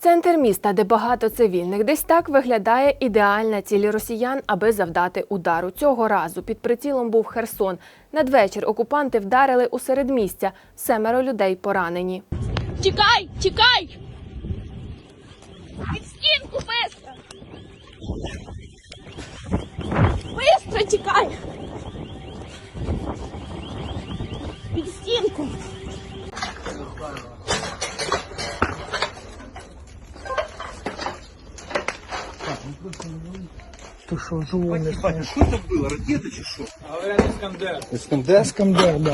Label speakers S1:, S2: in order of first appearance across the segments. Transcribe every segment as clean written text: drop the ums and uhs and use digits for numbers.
S1: Центр міста, де багато цивільних, десь так виглядає ідеальна ціль росіян, аби завдати удару. Цього разу під прицілом був Херсон. Надвечір окупанти вдарили у середмістя. 7 людей поранені.
S2: Тікай! Тікай! Під стінку, быстро! Быстро тікай! Під стінку!
S3: Ты что, живой?
S4: Батя, что это было? Ракета чи что?
S3: Искандер? Искандер, да.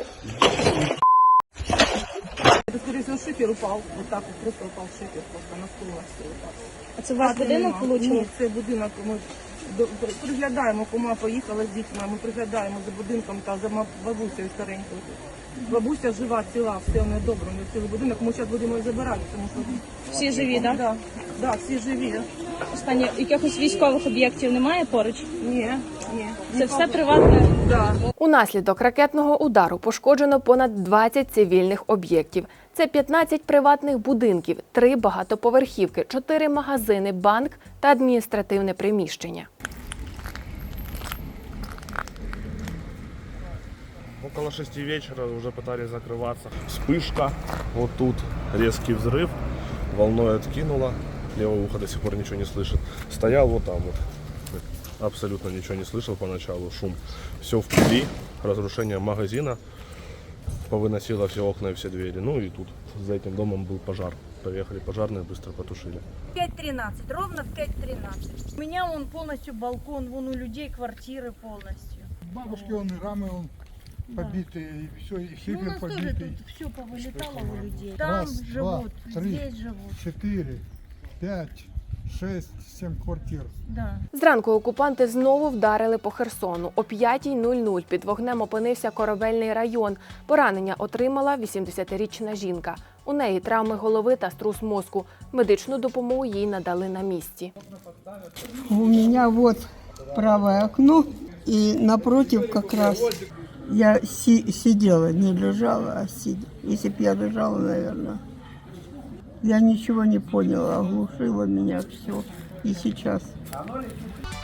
S5: Это, скорее всего, шифер упал. Вот так вот просто упал шифер, просто на стул на все упав.
S2: А це ваш будинок влучило?
S5: Ні, це будинок. Ми приглядаємо, кума поїхала з дітьми, ми приглядаємо за будинком та за бабусею старенькою. Бабуся жива, ціла, все в неї добре, у неї цілий будинок. Ми зараз будемо її забирати, тому що...
S2: Всі живі, так?
S5: Да, да, всі живі.
S2: Останні якихось військових об'єктів немає поруч?
S5: Ні.
S2: Це все приватне?
S5: Да.
S1: Унаслідок ракетного удару пошкоджено понад 20 цивільних об'єктів. Це 15 приватних будинків, 3 багатоповерхівки, 4 магазини, банк та адміністративне приміщення.
S6: Около 6 вечера уже пытались закрываться. Вспышка, вот тут резкий взрыв, волной откинуло, левое ухо до сих пор ничего не слышит. Стоял вот там вот, абсолютно ничего не слышал поначалу, шум. Все в пыли, разрушение магазина, повыносило все окна и все двери. Ну и тут за этим домом был пожар. Поехали пожарные, быстро потушили.
S7: 5:13, ровно в 5:13. У меня вон полностью балкон, вон у людей квартиры полностью.
S3: Бабушки, он и рамы он побитые, и все, и
S7: Ну, у
S3: шифер
S7: нас тоже
S3: побитый.
S7: тут все повылетало у людей. Там
S3: Раз, два,
S7: живут,
S3: 3,
S7: здесь живут.
S3: 4, 5, 6, 7 квартир.
S7: Да.
S1: Зранку окупанти знову вдарили по Херсону. О 5:00 під вогнем опинився Корабельний район. Поранення отримала 80-річна жінка. У неї травми голови та струс мозку. Медичну допомогу їй надали на місці.
S8: У меня вот правое окно, и напротив как раз я сидела, не лежала, а сидела. Если бы я лежала, наверное, я ничего не поняла, оглушило меня все. И сейчас.